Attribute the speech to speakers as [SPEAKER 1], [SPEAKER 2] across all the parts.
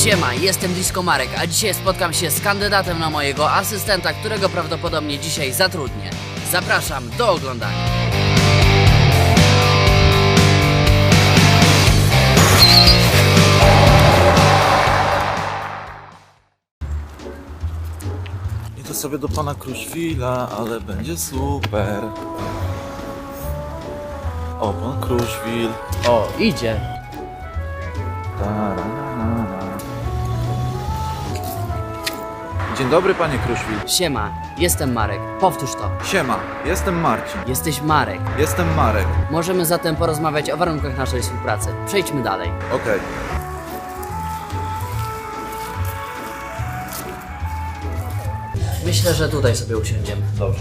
[SPEAKER 1] Siema, jestem Disco Marek, a dzisiaj spotkam się z kandydatem na mojego asystenta, którego prawdopodobnie dzisiaj zatrudnię. Zapraszam do oglądania.
[SPEAKER 2] Idę sobie do pana Kruszwila, ale będzie super. O, pan Kruszwil.
[SPEAKER 1] O, idzie.
[SPEAKER 2] Dzień dobry, panie Kruszwil.
[SPEAKER 1] Siema, jestem Marek. Powtórz to.
[SPEAKER 2] Siema, jestem Marcin.
[SPEAKER 1] Jesteś Marek.
[SPEAKER 2] Jestem Marek.
[SPEAKER 1] Możemy zatem porozmawiać o warunkach naszej współpracy. Przejdźmy dalej.
[SPEAKER 2] Okej.
[SPEAKER 1] Myślę, że tutaj sobie usiądziemy.
[SPEAKER 2] Dobrze.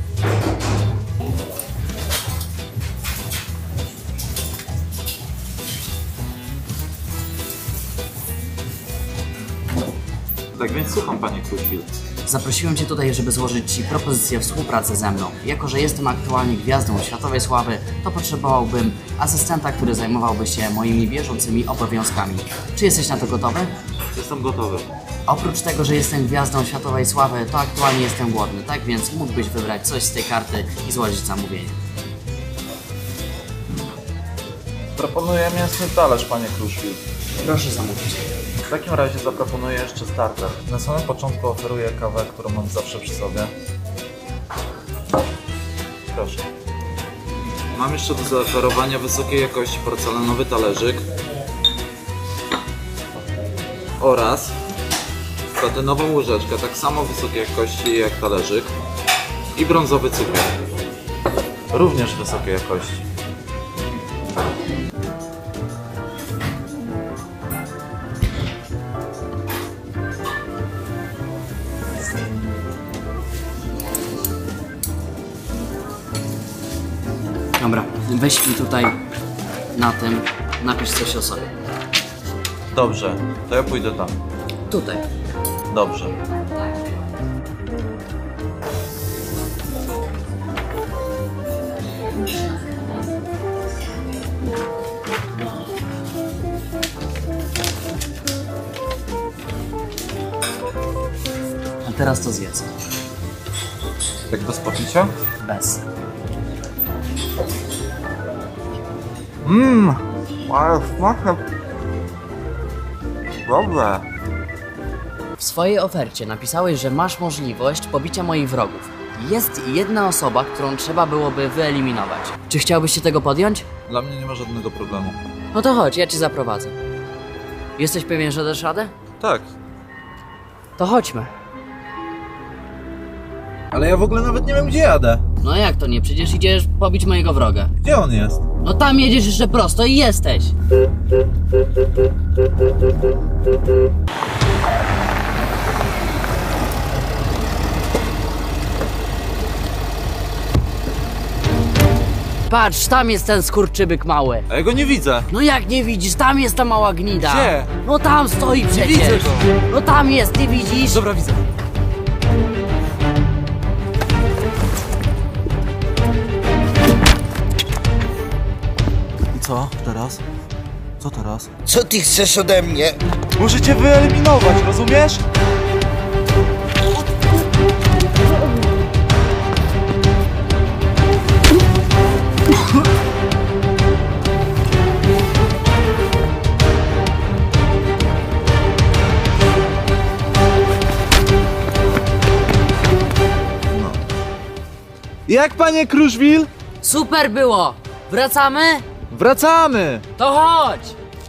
[SPEAKER 2] Tak więc słucham, panie Kruszwil.
[SPEAKER 1] Zaprosiłem Cię tutaj, żeby złożyć Ci propozycję współpracy ze mną. Jako że jestem aktualnie gwiazdą światowej sławy, to potrzebowałbym asystenta, który zajmowałby się moimi bieżącymi obowiązkami. Czy jesteś na to gotowy?
[SPEAKER 2] Jestem gotowy.
[SPEAKER 1] Oprócz tego, że jestem gwiazdą światowej sławy, to aktualnie jestem głodny, tak więc mógłbyś wybrać coś z tej karty i złożyć zamówienie.
[SPEAKER 2] Proponuję mięsny talerz, panie Kruszwil.
[SPEAKER 1] Proszę zamówić.
[SPEAKER 2] W takim razie zaproponuję jeszcze starter. Na samym początku oferuję kawę, którą mam zawsze przy sobie. Proszę. Mam jeszcze do zaoferowania wysokiej jakości porcelanowy talerzyk oraz platynową łyżeczkę, tak samo wysokiej jakości jak talerzyk, i brązowy cukier, również wysokiej jakości.
[SPEAKER 1] Dobra, weź mi tutaj na tym, napisz coś o sobie.
[SPEAKER 2] Dobrze, to ja pójdę tam.
[SPEAKER 1] Tutaj.
[SPEAKER 2] Dobrze.
[SPEAKER 1] A teraz to zjedz.
[SPEAKER 2] Tak bez popicia?
[SPEAKER 1] Bez.
[SPEAKER 2] Ale smaczne. Dobre.
[SPEAKER 1] W swojej ofercie napisałeś, że masz możliwość pobicia moich wrogów. Jest jedna osoba, którą trzeba byłoby wyeliminować. Czy chciałbyś się tego podjąć?
[SPEAKER 2] Dla mnie nie ma żadnego problemu.
[SPEAKER 1] No to chodź, ja cię zaprowadzę. Jesteś pewien, że dasz radę?
[SPEAKER 2] Tak.
[SPEAKER 1] To chodźmy.
[SPEAKER 2] Ale ja w ogóle nawet nie wiem, gdzie jadę.
[SPEAKER 1] No jak to nie? Przecież idziesz pobić mojego wroga.
[SPEAKER 2] Gdzie on jest?
[SPEAKER 1] No tam jedziesz jeszcze prosto i jesteś. Patrz, tam jest ten skurczybyk mały.
[SPEAKER 2] A ja go nie widzę.
[SPEAKER 1] No jak nie widzisz? Tam jest ta mała gnida.
[SPEAKER 2] Gdzie?
[SPEAKER 1] No tam stoi przecież.
[SPEAKER 2] widzę go.
[SPEAKER 1] No tam jest, nie widzisz?
[SPEAKER 2] Dobra, widzę. I co teraz? Co teraz?
[SPEAKER 3] Co ty chcesz ode mnie?
[SPEAKER 2] Muszę cię wyeliminować, rozumiesz? No. Jak, panie Kruszwil?
[SPEAKER 1] Super było. Wracamy?
[SPEAKER 2] Wracamy!
[SPEAKER 1] To chodź.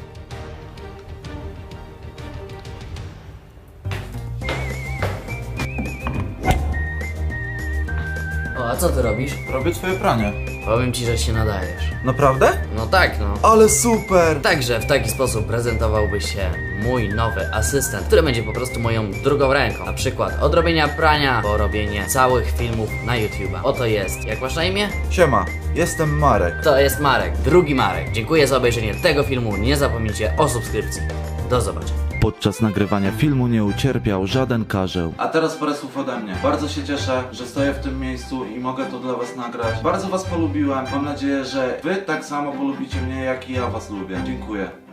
[SPEAKER 1] O, a co ty robisz?
[SPEAKER 2] Robię twoje pranie.
[SPEAKER 1] Powiem ci, że się nadajesz.
[SPEAKER 2] Naprawdę?
[SPEAKER 1] No tak, no.
[SPEAKER 2] Ale super!
[SPEAKER 1] Także w taki sposób prezentowałby się mój nowy asystent, który będzie po prostu moją drugą ręką. Na przykład od robienia prania po robienie całych filmów na YouTube'a. Oto jest. Jak masz na imię?
[SPEAKER 2] Siema, jestem Marek.
[SPEAKER 1] To jest Marek, drugi Marek. Dziękuję za obejrzenie tego filmu. Nie zapomnijcie o subskrypcji. Do zobaczenia.
[SPEAKER 4] Podczas nagrywania filmu nie ucierpiał żaden karzeł.
[SPEAKER 2] A teraz parę słów ode mnie. Bardzo się cieszę, że stoję w tym miejscu i mogę to dla was nagrać. Bardzo was polubiłem. Mam nadzieję, że wy tak samo polubicie mnie, jak i ja was lubię. Dziękuję.